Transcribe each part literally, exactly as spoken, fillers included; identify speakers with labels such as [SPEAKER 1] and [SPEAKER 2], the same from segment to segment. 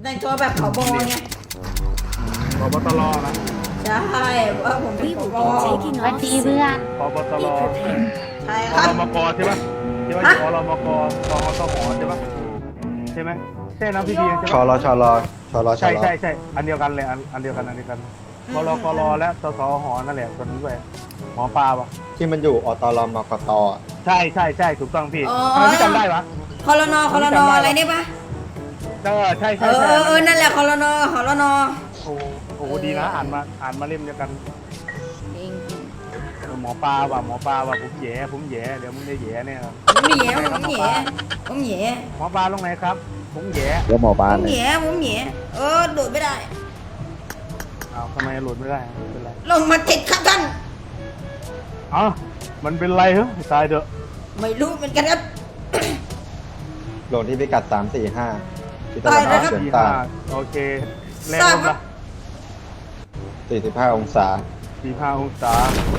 [SPEAKER 1] แต่งตัวแบบผบไง
[SPEAKER 2] ผบตรนะ
[SPEAKER 1] ใช่ว่าผมพี่ผบ
[SPEAKER 3] วันดีเพื่อน
[SPEAKER 2] ผบตร
[SPEAKER 1] ใช่ค
[SPEAKER 2] อ
[SPEAKER 1] รับ
[SPEAKER 2] รมกใช่ปะใช่ปะอรมกกอตหใช่ปะใช่ไหมใช่นะพี่พีใช่
[SPEAKER 4] ชอ
[SPEAKER 2] ปะ
[SPEAKER 4] รอชอรอชอรอชอ
[SPEAKER 2] ใช่
[SPEAKER 4] รอ
[SPEAKER 2] ใช่ใช่อันเดียวกันเลยอันอันเดียวกันอันเดียวกันกรกรและสสหนั่นแหละคนนี้ด้วยหมอปลาปะ
[SPEAKER 4] ที่มันอยู่อตรมกต
[SPEAKER 2] ใช่ใช่ใช่ถูกต้องพี่ทำไมพี่จำได้วะ
[SPEAKER 1] คอรนอคอรนออะไรนี่ปะ
[SPEAKER 2] เออใช่
[SPEAKER 1] เอ
[SPEAKER 2] ใช่
[SPEAKER 1] อ
[SPEAKER 2] ใช่
[SPEAKER 1] เออเออนั่นแหละคอรนอคอรนอ
[SPEAKER 2] โอ้โหดีนะอ่านมาอ่านมาเล่มเดียวกัน
[SPEAKER 1] จริง
[SPEAKER 2] หมอปลาว่ะหมอปลาว่ะผมแย่ผมแย่เดี๋ยวมึงได้แย่เนี่ย
[SPEAKER 1] ผมแย่ผมแย่ผมแย่
[SPEAKER 2] หมอปลาลงไหนครับผมแย่
[SPEAKER 4] เดี๋ยวหมอปลา
[SPEAKER 1] ผมแย่ผมแย่เออโดดไม่ได้
[SPEAKER 2] อ้าวทำไมหลุดไม่ได้เป็นไร
[SPEAKER 1] ลงมาติดครับท่าน
[SPEAKER 2] อ๋อมันเป็นไรเหรอตายเถอะ
[SPEAKER 1] ไม่รู้เหมือนกันครับ
[SPEAKER 4] ลงที่พิกัดสามสี่ห้าที่ตะ
[SPEAKER 1] ตา
[SPEAKER 4] วั
[SPEAKER 1] ย
[SPEAKER 4] น
[SPEAKER 1] แล้
[SPEAKER 4] อ
[SPEAKER 1] ว
[SPEAKER 4] อก
[SPEAKER 1] ครับ
[SPEAKER 4] เฉียง
[SPEAKER 2] สี่
[SPEAKER 4] ใต้
[SPEAKER 2] ห้าโอเคแรงลมละ
[SPEAKER 4] สี่สิบห้าองศา
[SPEAKER 2] สี่ห้าองศา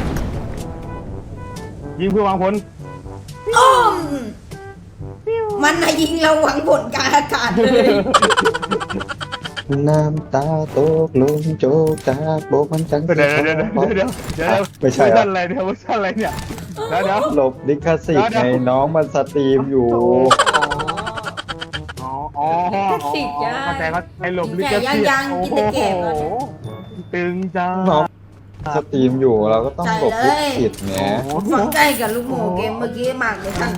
[SPEAKER 2] ยิงเพื่อวางผล
[SPEAKER 1] อ้อมมันน่ะยิงเราหวังผลกลางอากาศเลย
[SPEAKER 4] น้ำตาตกลงโจกจากโบกมันจัง
[SPEAKER 2] เดี๋ยวเดี๋ยวเดี๋ยวเดี๋ยวเดี๋ยว
[SPEAKER 4] ไม่ใช่
[SPEAKER 2] เวอร์
[SPEAKER 4] เหร
[SPEAKER 2] ชั
[SPEAKER 4] อน
[SPEAKER 2] อะไรเนี่ยเวอร์ชันอะไรเนี่ยเดี๋ยวเดี๋ยว
[SPEAKER 4] หลบลิขสิทธิ์ไงน้องมันสตรีมอยู่
[SPEAKER 2] อ๋ออ๋ออ๋อเข้าใจเขาไอ้หลบลิขสิทธิ์โอ้โหตึงจัง
[SPEAKER 4] น้องสตรีมอยู่เราก็ต้องหลบลิขสิทธิ์แหม
[SPEAKER 1] ฝังใจกับลูกโม่เกมเมื่อกี้มากเลยท่าน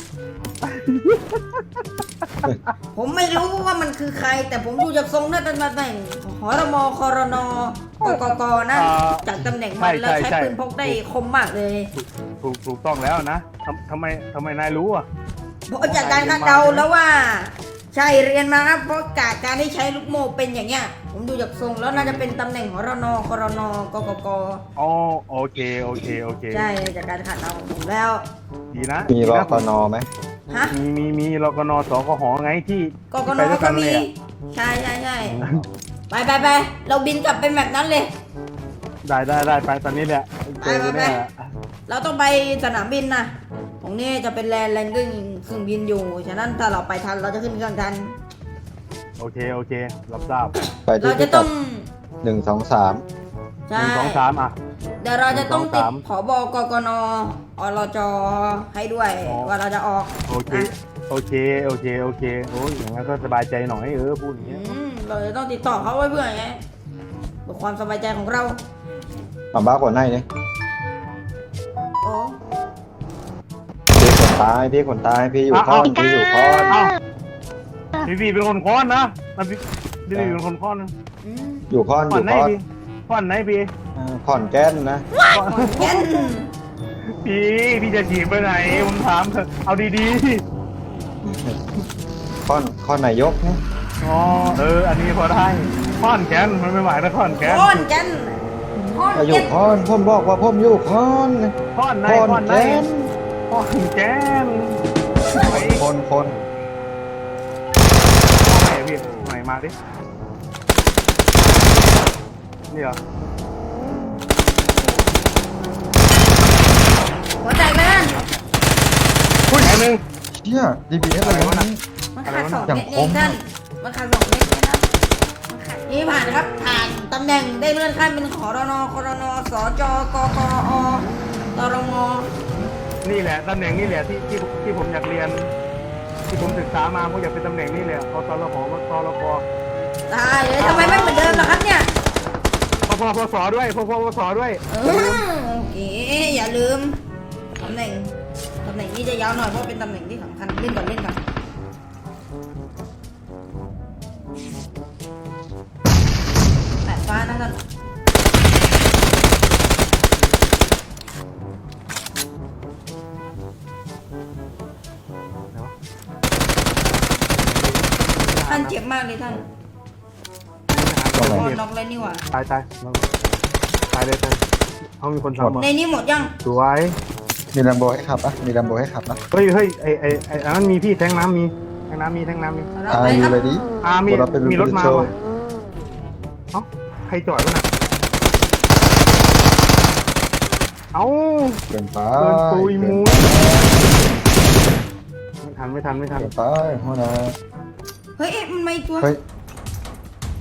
[SPEAKER 1] ผมไม่รู้ว่ามันคือใคร แต่ผมดูจากทรงน่าจะมาแต่งหรมครนกกกนะจากตำแหน่งมันแล้วใช้ปืนพกได้คมมากเลย
[SPEAKER 2] ถูกถูกต้องแล้วนะทำทำไมทำไมนายรู้อ่ะ
[SPEAKER 1] เพราะจากการคาดเดาแล้วว่า ใช่เรียนมาครับเพราะจากการที่ใช้ลูกโม่เป็นอย่างเงี้ยผมดูจากทรงแล้วน่าจะเป็นตำแหน่งหรนครนกกก
[SPEAKER 2] อ๋อโอเคโอเคโอเค
[SPEAKER 1] ใช่จากการคาดเดาของผมแล้ว
[SPEAKER 2] ดีนะ
[SPEAKER 4] มีรอกนไหม
[SPEAKER 1] ฮะ
[SPEAKER 2] มีมีมีรกนสกหไงที่
[SPEAKER 1] กกน
[SPEAKER 2] ไปด้วย
[SPEAKER 1] ก็
[SPEAKER 2] กันเล
[SPEAKER 1] มี
[SPEAKER 2] ยอะ
[SPEAKER 1] ใช่ใช่ใช่ไปไปไปเราบินกลับไปแบบนั้นเลย
[SPEAKER 2] ได้ได้ได้ไปตอนนี้แหละเจอกันเนี่ย
[SPEAKER 1] เราต้องไปสนามบินนะตรงนี้จะเป็นแลนด์แลนด์เครื่องเครื่องบินอยู่ ฉะนั้นถ้าเราไปทันเราจะขึ้นเครื่องทัน
[SPEAKER 2] โอเคโอเครับทราบ
[SPEAKER 4] ไปที่
[SPEAKER 1] เรา
[SPEAKER 4] พิ
[SPEAKER 1] จะ
[SPEAKER 4] กั
[SPEAKER 1] ต้อ
[SPEAKER 4] ด
[SPEAKER 1] ง
[SPEAKER 4] หนึ่งสองสาม
[SPEAKER 2] ห
[SPEAKER 1] ใช่
[SPEAKER 2] นึ่งสองสามอ่ะ
[SPEAKER 1] เดี๋ยวเราจะต้องติด
[SPEAKER 2] หนึ่งสองสาม
[SPEAKER 1] ผบกกนอรจให้ด้วย
[SPEAKER 2] อ๋อ
[SPEAKER 1] ว่าเราจะออก
[SPEAKER 2] โอเค
[SPEAKER 1] นะ
[SPEAKER 2] โอเคโอเคโอเคโอ้ยอย่างนั้นก็สบายใจหน่อยเออพูดอย่าง
[SPEAKER 1] อื
[SPEAKER 2] เงี้ย
[SPEAKER 1] มเราจะต้องติดต่อเขาไว้เพื่อไงเพื่อความสบายใจของเรา
[SPEAKER 4] มาบ้าก่อนให้เนี่ย
[SPEAKER 1] โอ้
[SPEAKER 4] พี่ขนตายพี่ขนตายพี่อยู่ค้อนพี่อยู่ค้อน
[SPEAKER 2] เอ้าพี่พี่เป็นคนค้อนนะมันพี่พี่เป็นคนค้อนนะ
[SPEAKER 1] อืม
[SPEAKER 4] อยู่ค้อนอ
[SPEAKER 2] ค้อน
[SPEAKER 4] ยู่
[SPEAKER 2] ไหน
[SPEAKER 4] ค้อน
[SPEAKER 2] พี่ค้อนไหนพี่
[SPEAKER 4] อ่าค้อนแก้นนะ
[SPEAKER 2] ค้อน
[SPEAKER 1] แก่น
[SPEAKER 2] พี่พี่จะฉีกไปไหนผมถามเถอะเอาดี
[SPEAKER 4] ค้อนค้อนนายกนะ
[SPEAKER 2] ๆอ๋อเอออันนี้พอได้ค้อนแกนมันไม่หมายนะค้อนแกน
[SPEAKER 1] ค้อนแก่นค้อน
[SPEAKER 4] อายุ
[SPEAKER 1] แก่น
[SPEAKER 4] ค้อนผมบอกว่าผมอยู่ค้อน
[SPEAKER 2] ค้อนไหน
[SPEAKER 4] ค้อน
[SPEAKER 2] ค้อนไหน
[SPEAKER 4] แก้น
[SPEAKER 2] ค้อนแกนไหน
[SPEAKER 4] คนคน
[SPEAKER 2] ไหนพี่ไหนมาดินี่เหรอ
[SPEAKER 1] หัวใจแม่น
[SPEAKER 2] พูดอย่างหนึ่ง
[SPEAKER 4] เชี่ยดีบีเอสอะไรวะนี่
[SPEAKER 1] มันขาดสอง
[SPEAKER 4] อย่าง
[SPEAKER 1] เม็ด
[SPEAKER 4] ค
[SPEAKER 1] เอง
[SPEAKER 4] ม
[SPEAKER 1] ท่านมันขาดสองเม็ดนะครับมันขาดนี่ผ่านครับ ผ่านตำแหน่งได้เลื่อนขั้นเป็นขอรนครนสจกกอตรม
[SPEAKER 2] นี่แหละตำแหน่งนี่แหละที่ที่ที่ผมอยากเรียน ที่ผมศึกษามาผมอยากเป็นตำแหน่งนี้เลยเอาตลหมาตลก
[SPEAKER 1] ตายเลยทำไมไม่เหมือนเดิมล่ะครับเนี่ย
[SPEAKER 2] พอพอพอสอด้วยพอพอพอสอด้วย
[SPEAKER 1] เออโอเคอย่าลืมตำแหน่งตำแหน่งนี้จะยาวหน่อยเพราะเป็นตำแหน่งที่สำคัญเล่นก่อนเล่นก่อนแปดฟ้านะท่านท่านเจ็บมากเลยท่าน
[SPEAKER 4] ตรงไหน
[SPEAKER 1] โดนน็อกเลยนี่หว่า
[SPEAKER 2] ตายตายตายเลยตายเขามีคนทำ
[SPEAKER 1] ในนี้หมดยัง
[SPEAKER 2] สวย
[SPEAKER 4] มีแลมโบให้ขับปะมีแลมโบให้ขับปะ
[SPEAKER 2] เฮ้ยเฮ้ยไอไอไออันนั้นมีพี่แทงน้ำมีแทงน้ำมีแทงน้ำมี
[SPEAKER 1] เรา
[SPEAKER 4] อา
[SPEAKER 1] ไป
[SPEAKER 4] ยุ
[SPEAKER 1] ครับ
[SPEAKER 4] เลยดิ
[SPEAKER 2] อ่ามี
[SPEAKER 4] เราเป็น
[SPEAKER 2] มีรถมา
[SPEAKER 4] โชว์
[SPEAKER 2] ว่ะเอ้าใครจอดวะน่ะเอ้า
[SPEAKER 4] เกินไป
[SPEAKER 2] เกินปุย
[SPEAKER 4] เกิ
[SPEAKER 2] มู
[SPEAKER 4] น
[SPEAKER 2] ไม่ทันไม่ทันไม่ทัน
[SPEAKER 4] เกินไปหัวหน้า
[SPEAKER 1] เฮ้ยเอ๊ะมันไม่ตัว
[SPEAKER 4] เฮ้ย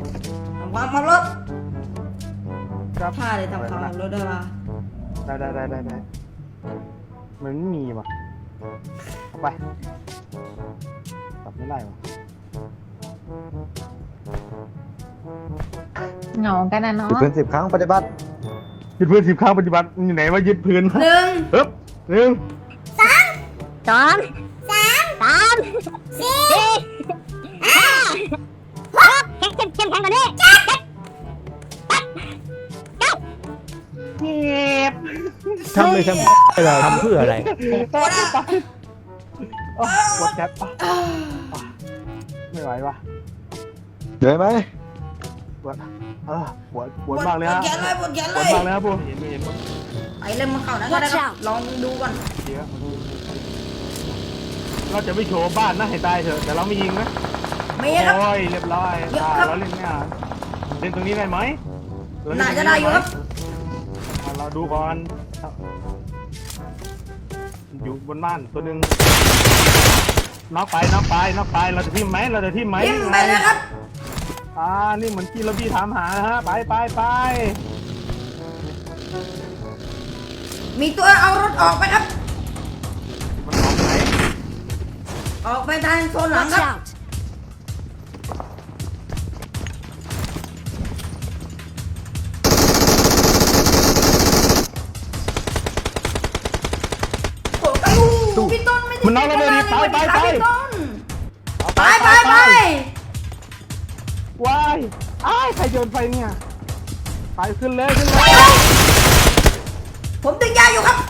[SPEAKER 1] ทำความขับรถ
[SPEAKER 2] ครับ
[SPEAKER 1] ท่าเลยทำความขับรถได้ปะ
[SPEAKER 2] ได้ได้ได้ได้ได้มันไม่มีว่ะเอาไปกลับไม่ได้ว่ะ
[SPEAKER 3] เหงากันนะเนาะ
[SPEAKER 4] ถือปืนสิบครั้งปฏิบัติ
[SPEAKER 2] ยึดพื้นสิบครั้งปฏิบัติอยู่ไหนว่ายึดพื้น
[SPEAKER 1] หนึ่ง
[SPEAKER 2] ปึ๊บหนึ่ง
[SPEAKER 3] สองสามสามสี่ห้าหกเข้มเข้มเข้มแข็งกว่านี้เจ็ด
[SPEAKER 2] เก็บ
[SPEAKER 5] ทำเลยทำอะไรทำเพื่ออะไร
[SPEAKER 2] ปวดปวดแคปปะไม่ไหววะ
[SPEAKER 4] เหนื่อยไหม
[SPEAKER 2] ปวดเออปวดปวดมากเลย
[SPEAKER 1] ปว
[SPEAKER 2] ฮะ
[SPEAKER 1] ดแขนเลยปวดแขน
[SPEAKER 2] ป
[SPEAKER 1] เล
[SPEAKER 2] วดมาย กเลยครับผมเห็นไม่เห็นมั้ง
[SPEAKER 1] ไปเล่นมาเข้านะก็ได้ครับลองดูก่อน
[SPEAKER 2] เดี๋ยวเราจะไม่โชว์บ้านนะให้ตายเถอะแต่เราไม่ยิงนะ
[SPEAKER 1] มีครับ
[SPEAKER 2] โอ้ยเรียบร้อย
[SPEAKER 1] เยอะ
[SPEAKER 2] อ่า
[SPEAKER 1] ครับ
[SPEAKER 2] เราเล่นเนี่ยเล่นตรงนี้ได้ไหมเรเล่
[SPEAKER 1] น่า
[SPEAKER 2] ตรง
[SPEAKER 1] จะได้อยู่ครับ
[SPEAKER 2] อ่าเราดูก่อนอยู่บนบ้านตัวหนึ่งน็อกไปน็อกไปน็อกไปเราจะทิมไหมเราจะทิมไหม
[SPEAKER 1] ยิ้มไปเลยครับ
[SPEAKER 2] อ่านี่เหมือนที่เราพี่ถามหานะฮะไปไปไป
[SPEAKER 1] มีตัวเอารถออกไปครับ
[SPEAKER 2] มันออกไหน
[SPEAKER 1] ออกไปทางโซนหลังครับโอ้ยพี่ต้นไม่ได้
[SPEAKER 2] มันน็อกแล้วเลยดิไปไปไป
[SPEAKER 1] พี่ต้นไปไปไป
[SPEAKER 2] ว้ายอ้ายใครโยนไฟเนี่ยไปขึ้นเลยขึ้นเลย
[SPEAKER 1] ผมดึงยาอยู่ครับ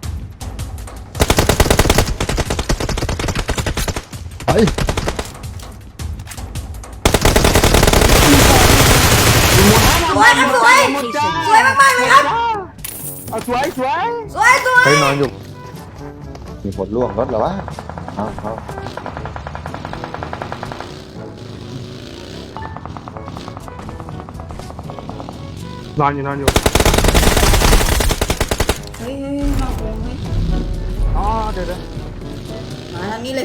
[SPEAKER 4] ไป
[SPEAKER 1] สวยครับสวยสวยมากๆเลยครับ
[SPEAKER 2] เอาสวยสวย
[SPEAKER 1] สวยสวย
[SPEAKER 4] ไปนอนอยู่ มีผลล่วงรถเหรอวะเอาเอา
[SPEAKER 2] นอนอยู่นอนอยู่
[SPEAKER 1] เฮ้ยเฮ้ยมาโอ้ย
[SPEAKER 2] อ๋อเดี๋ยวเดี๋ยว
[SPEAKER 1] มาทางนี้เลย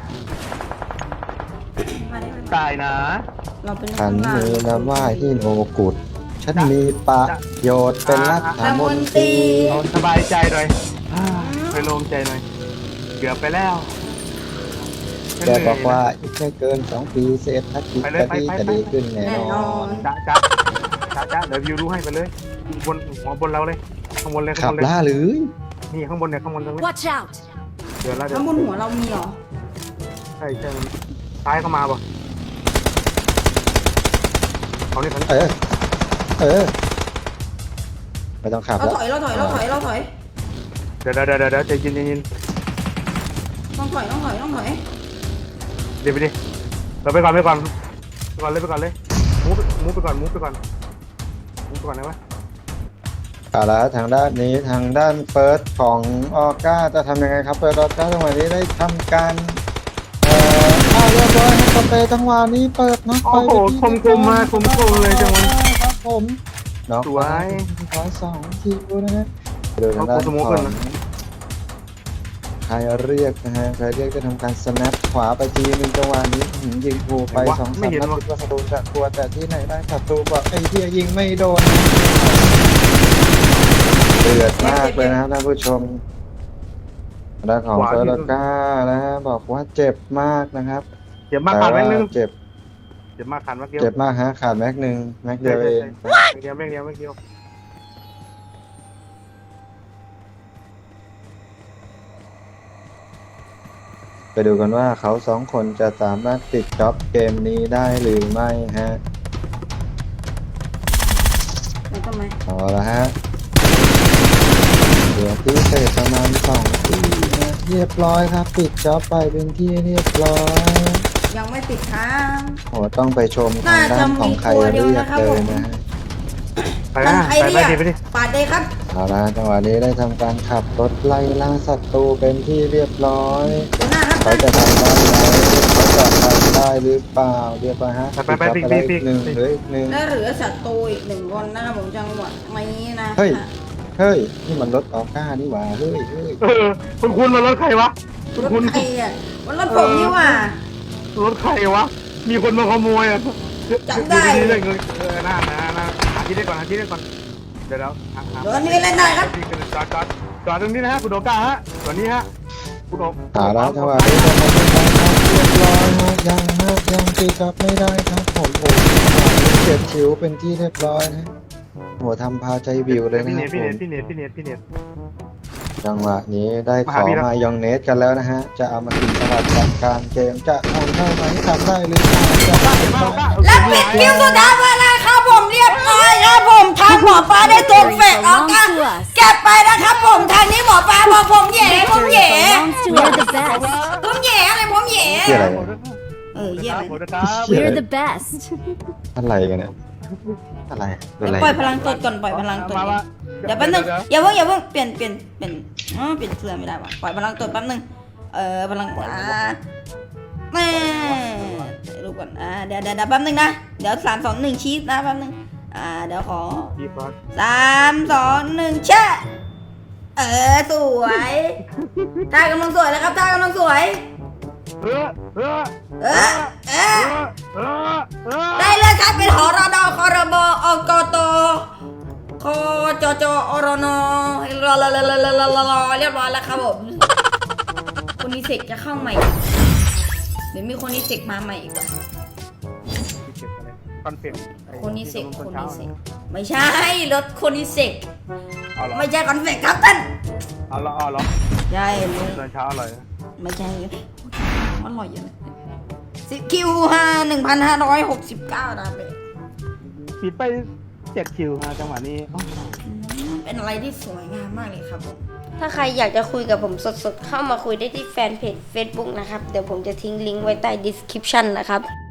[SPEAKER 1] มาได้ไหม
[SPEAKER 2] ตายนะ
[SPEAKER 1] เราเป็น
[SPEAKER 4] ฉัน
[SPEAKER 1] ข้างล่าง
[SPEAKER 4] มีนามว่าฮิโนกุดฉันมีประโยชน์เป็นรัฐมนตรี
[SPEAKER 2] เอาสบายใจหน่อยอ่าไปโล่งใจหน่อยเกือบไปแล้ว
[SPEAKER 4] แกบอกว่าอีกไม่เกินสองปีเศรษฐกิจจะดีจะดีขึ้นแน่
[SPEAKER 1] แน่
[SPEAKER 4] น
[SPEAKER 1] น
[SPEAKER 4] อ
[SPEAKER 1] อน น
[SPEAKER 2] จ้าจ้าจ้าจ้าเดี๋ยววิวรู้ให้ไปเลยบนหัวบนเราเลยข้างบนเลย
[SPEAKER 4] ขั
[SPEAKER 2] ข้าง
[SPEAKER 4] บบ
[SPEAKER 2] นเลย
[SPEAKER 4] ล่าหรือ
[SPEAKER 2] นี่ข้างบนเนี่ยข้างบนตรงนี้
[SPEAKER 3] Watch out
[SPEAKER 2] เดี๋ยวแล้วเดี๋ย
[SPEAKER 1] ข้าว งบนหัวเรามีเหรอ
[SPEAKER 2] ใช่ใช่ซ้ายเข้ามาป่ะเอานี่เขา
[SPEAKER 4] เออ เออ ไม่ต้องขับ
[SPEAKER 1] เรา
[SPEAKER 4] แล้ว
[SPEAKER 1] ถอยเราถอยเราถอยเราถอย
[SPEAKER 2] เดี๋ยวเดี๋ยวเดี๋ยวเดี๋ยวใจเย็นใจเย็น
[SPEAKER 1] ต้องถอยต้องถอยต้องถอย
[SPEAKER 2] เดี๋ยวไปดิเราไปก่อนไปก่อนไปก่อนเลยไปก่อนเลยมูฟมูฟไปก่อนมูฟไปก่อนมูฟไปก่อนนะวะ
[SPEAKER 4] เอาละทางด้านนี้ทางด้านเฟิร์สของออก้าจะทำยังไงครับเปิดออก้าจังหวะนี้ได้ทำการเอ่อเข้าเรียบร้อยนะครับสเปรย์จังหวะนี้เปิดน็อกไป
[SPEAKER 2] โอ้โหคมคมมาคมคมเลยจังหวะ
[SPEAKER 4] ครับผผมน็อก
[SPEAKER 2] สวย
[SPEAKER 4] ขอสองคิวนะฮะเดินด้าน
[SPEAKER 2] เอาสโม
[SPEAKER 4] ข
[SPEAKER 2] ก
[SPEAKER 4] อ
[SPEAKER 2] ขึ้น
[SPEAKER 4] ง
[SPEAKER 2] นะ
[SPEAKER 4] ใครเรียกนะฮะใครเรียกจะทำการสแนปขวาไปทีนึงจังหวะนี้อื้อหือยิงถูกไปสองสามนัดคิดว่าศัตรูจะกลัวแต่ที่ไหนได้ศัตรูบอกไอ้เหี้ยยิงไม่โดนเดือดมากเลยนะครับท่านผู้ชมด้านของเฟอร์ลก้านะฮะบอกว่าเจ็บมากนะครับ
[SPEAKER 2] เจ็บมากขาดแม็กนึง
[SPEAKER 4] เจ็บ
[SPEAKER 2] เจ็บมากขาดแม็กเดียว
[SPEAKER 4] เจ็บมากฮะขาดแม็กหนึ่งแม็กเดียวเอง
[SPEAKER 2] แม็กเดียวแม็กเดียวแม็กเดียว
[SPEAKER 4] ไปดูกันว่าเขาสองคนจะสามารถปิดจ็อบเกมนี้ได้หรือไม่ฮะ
[SPEAKER 1] แล้วก็ไหม
[SPEAKER 4] เอาละฮะเหลือที่เศษประมาณสองที่นะเรียบร้อยครับ ปิดจ็อบไปเป็นที่เรียบร้อย
[SPEAKER 1] ยังไม่ติดค้าง
[SPEAKER 4] โหต้องไปชมทางด้านของใครเรียกเลยนะฮะ
[SPEAKER 2] ไป
[SPEAKER 1] มัน
[SPEAKER 2] นะ
[SPEAKER 1] ใคร
[SPEAKER 2] ไป
[SPEAKER 1] เรี
[SPEAKER 2] ไป
[SPEAKER 1] ยก
[SPEAKER 2] ดิไปดิ
[SPEAKER 1] ปาดเลยครับ
[SPEAKER 4] เอาละจังหวะนี้ได้ทำการขับรถไล่ล่าศัตรูเป็นที่เรียบร้อย
[SPEAKER 1] หัวหน้าครับ
[SPEAKER 4] เขาจะทำได้ไหมเขาจะทำได้หรือเปล่าเรียบร้อยฮะ
[SPEAKER 2] ไปไปไป
[SPEAKER 4] ปิด
[SPEAKER 2] ปิ
[SPEAKER 4] จ็
[SPEAKER 2] ด
[SPEAKER 4] อบ
[SPEAKER 2] ปิด
[SPEAKER 4] ไปได้อีกหนึ่งเหลืออีกหนึ่ง
[SPEAKER 1] และเหลือศัตรูอีกหนึ่งคนนะครับผมจังหวะนี้นะ
[SPEAKER 4] เฮ้ย เฮ้ย นี่มันรถออก้านี่หว่า เฮ้ยเฮ้ย
[SPEAKER 2] เออคุณคุณมารถใครวะ
[SPEAKER 1] รถใครอ่ะมันรถผมนี่หว่าร
[SPEAKER 2] ถใครวะมีคนมาขโมยอ่ะ
[SPEAKER 1] จำได้
[SPEAKER 2] เรื่องเงินเออน่าน่าน่าหาที่ได้ก่อนหาที่ได้ก่อนเดี๋ยวแล้ว
[SPEAKER 1] เดี๋ยวนี้เล่นได้ครับ
[SPEAKER 2] จอดจอดจอดตรงนี้นะฮะคุณโดก้าฮะตอนนี้ฮะคุณโด
[SPEAKER 4] เอาละจังหวะนี้จะทำได้ครับเรียบร้อยฮะยังฮะยังตีกลับไม่ได้ครับผมโอ้เจ็บชิวเป็นที่เรียบร้อยนะหัวทำพาใจวิวเลยนะ
[SPEAKER 2] พี่
[SPEAKER 4] ค
[SPEAKER 2] เน
[SPEAKER 4] รั
[SPEAKER 2] ต
[SPEAKER 4] บ
[SPEAKER 2] พี่
[SPEAKER 4] ผ
[SPEAKER 2] เน
[SPEAKER 4] ม
[SPEAKER 2] ตพี่เนตพี่เนตพี่เนต
[SPEAKER 4] จังหวะนี้ได้ข
[SPEAKER 2] มา
[SPEAKER 4] อ
[SPEAKER 2] หาพี่แล้ว
[SPEAKER 4] มายองเนสกันแล้วนะฮะ จะเอามากินสลัดกับการเกมจะทำได้ไหมทำได้หรือเปล่าจะได้ไหม
[SPEAKER 1] และปิดคิวสุดท้ายมาแล้วครับผมเรียบร้อยครับผมทางหมอปลาได้ตกเฟกออกกันเก็บไปนะครับผมทางนี้หมอปลาบอกผมแหย่ผมแหย่
[SPEAKER 3] We're the best.
[SPEAKER 1] ผมแหย่อะไรผมแหย่
[SPEAKER 4] เกี่ยอะไร
[SPEAKER 1] เออเยี่ยม
[SPEAKER 2] ผม
[SPEAKER 1] เลย
[SPEAKER 2] นะครับ
[SPEAKER 3] We're the best.
[SPEAKER 4] อะไรกันเนี่ยอะไรเป็นอะไร
[SPEAKER 1] ปล่อยพลังตดก่อนปล่อยพลังตดก่อนเดี๋ยวแป๊บนึงอย่าเพิ่งอย่าเพิ่งเปลี่ยนเปลี่ยนเปลี่ยนอ๋อเปลี่ยนเสื้อไม่ได้ว่ะปล่อยพลังตดแป๊บนึงเออพลังอ่าแม่ดูก่อนอ่าเดี๋ยวเดี๋ยวเดี๋ยวแป๊บนึงนะเดี๋ยวสามสองหนึ่งชีสนะแป๊บนึงอ่าเดี๋ยวขอ
[SPEAKER 2] ดีบอส
[SPEAKER 1] สามสองหนึ่งแช่เออสวยท่ากำลังสวยแล้วครับท่ากำลังสวย
[SPEAKER 2] เออเออ
[SPEAKER 1] เออเออ
[SPEAKER 2] เออเออ
[SPEAKER 1] ได้เลยครับเป็นหอรดคอรบอกตคอจจอรนรอรอรอรอรอรอรอเรียบร้อยแล้วครับผมคนนี้เสกจะเข้าใหม่เดี๋ยวมีคนนี้เสกมาใหม่อีกว่ะ
[SPEAKER 2] คอนเฟก
[SPEAKER 1] คนนี้เสกคนนี้เสกไม่ใช่รถคนนี้เสก
[SPEAKER 2] เอาละ
[SPEAKER 1] ไม่ใช่คอนเฟกครับท่าน
[SPEAKER 2] เอาละเอาละ
[SPEAKER 1] ใช่มึง
[SPEAKER 2] ตอนเช้าอร่อย
[SPEAKER 1] ไม่ใช่อร่อยอยู่นะสิคิวห้าหนึ่งพันห้าร้อยหกสิบเก้าดาเบ
[SPEAKER 2] ปิดไปเจ็ดคิวฮะจังหวะนี้
[SPEAKER 1] เป็นอะไรที่สวยงามมากเลยครับผม
[SPEAKER 3] ถ้าใครอยากจะคุยกับผมสดๆ เข้ามาคุยได้ที่แฟนเพจ Facebook นะครับ เดี๋ยวผมจะทิ้งลิงก์ไว้ใต้ description นะครับ